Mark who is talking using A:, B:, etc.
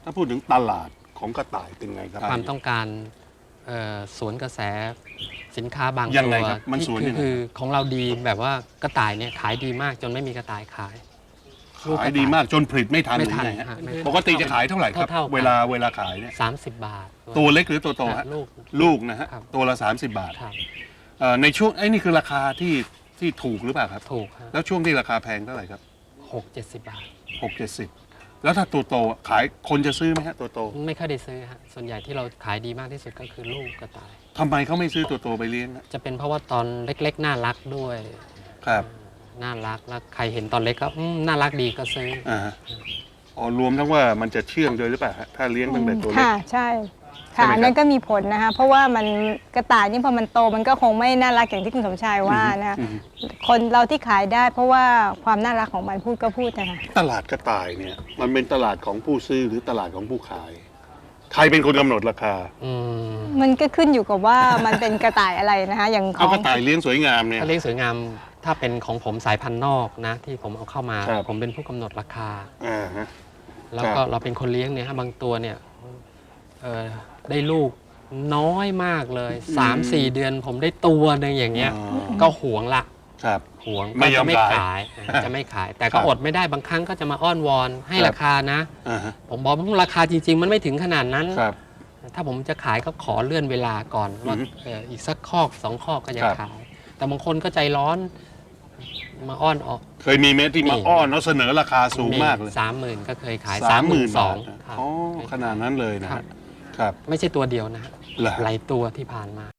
A: ถ้าพูดถึงตลาดของกระต่ายเป็นไงครับ
B: ความต้องการสวนกระแสสินค้าบาง
A: ยัง
B: ตั
A: ไง
B: ว
A: ครับมันสวนยังไง
B: คือของเราดีแบบว่ากระต่ายเนี่ยขายดีมากจนไม่มีกระต่ายขาย
A: ขายดีมากจนผลิตไม่ทัน
B: ไม่
A: หรือ
B: ทัน
A: ไงฮะ
B: ฮะไม่ทัน
A: ปกติจะขายเท่าไหร่ครับ
B: เท่าๆกัน
A: เวลาขายเนี่ย
B: 30 บาท
A: ตัวเล็กหรือตัวโตฮะ
B: ลูก
A: ลูกนะฮะ
B: ครับ
A: ตัวละ30 บาท
B: ครับ
A: ในช่วงนี่คือราคาที่ถูกหรือเปล่าครับ
B: ถูกฮะ
A: แล้วช่วงที่ราคาแพงเท่าไหร่ครับ
B: 60 บาท
A: 60-70แล้วถ้าตัวโตขายคนจะซื้อไหมฮะตัวโต
B: ไม่ค่อยได้ซื้อฮะส่วนใหญ่ที่เราขายดีมากที่สุดก็คือลูกกระต่าย
A: ทำไมเขาไม่ซื้อตัวโตไปเลี้ยงฮะ
B: จะเป็นเพราะว่าตอนเล็กๆน่ารักด้วย
A: ครับ
B: น่ารักแล้วใครเห็นตอนเล็กก็น่ารักดีก็ซื้อ
A: ฮะอ๋อรวมทั้งว่ามันจะเชื่องด้วยหรือเปล่าฮะถ้าเลี้ยงตั้งแต่ตัวเล็ก
C: ค่ะใช่
A: ใช่ไหมครับ
C: ค่ะอันนั้นก็มีผลนะคะเพราะว่ามันกระต่ายนี่พอมันโตมันก็คงไม่น่ารักอย่างที่คุณสมชายว่านะคะ
A: อืม
C: คนเราที่ขายได้เพราะว่าความน่ารักของมันพูดก็พูดนะคะ
A: ตลาดกระต่ายเนี่ยมันเป็นตลาดของผู้ซื้อหรือตลาดของผู้ขาย ใครเป็นคนกำหนดราคา
C: มันก็ขึ้นอยู่กับว่ามันเป็นกระต่ายอะไรนะคะอย่างข
A: เอา
C: อง
A: กระต่ายเลี้ยงสวยงามเนี่ย
B: ถ้าเลี้ยงสวยงามถ้าเป็นของผมสายพันธุ์นอกนะที่ผมเอาเข้ามา
A: ครับ
B: ผมเป็นผู้กำหนดราคา
A: ฮะ
B: แล้วก็
A: ครับ
B: เราเป็นคนเลี้ยงเนี่ยฮะบางตัวเนี่ยได้ลูกน้อยมากเลย 3-4 เดือนผมได้ตัวหนึงอย่างเงี้ย ก็หวงละ
A: ครับ
B: หวง
A: ไม่ยอม
B: ก็จะไม่
A: ขาย
B: ขายจะไม่ขาย แต่
A: ครั
B: ก็
A: บ
B: อดไม่ได้บางครั้งก็จะมาอ้อนวอนให้
A: ครับ
B: ราคานะ
A: ฮะ
B: ผมบอกว่าราคาจริง ๆ มันไม่ถึงขนาดนั้น
A: ครับ
B: ถ้าผมจะขายก็ขอเลื่อนเวลาก่อนว่า
A: อือฮึ
B: อีกสักคอก2 คอกก็จะ
A: ครับ
B: ขาย แต่บางคนก็ใจร้อนมาอ้อนออก
A: เคยมีเมที่มาอ้อนแล้วเสนอราคาสูงมากเลย
B: 30,000 ก็เคยขาย
A: 30,000 บาท
B: 32,000ครับ
A: อ๋อขนาดนั้นเลยนะ
B: ครั
A: ฮะ
B: บ
A: ครับ
B: ไม่ใช่ตัวเดียวนะฮะ
A: เหรอ
B: หลายตัวที่ผ่านมา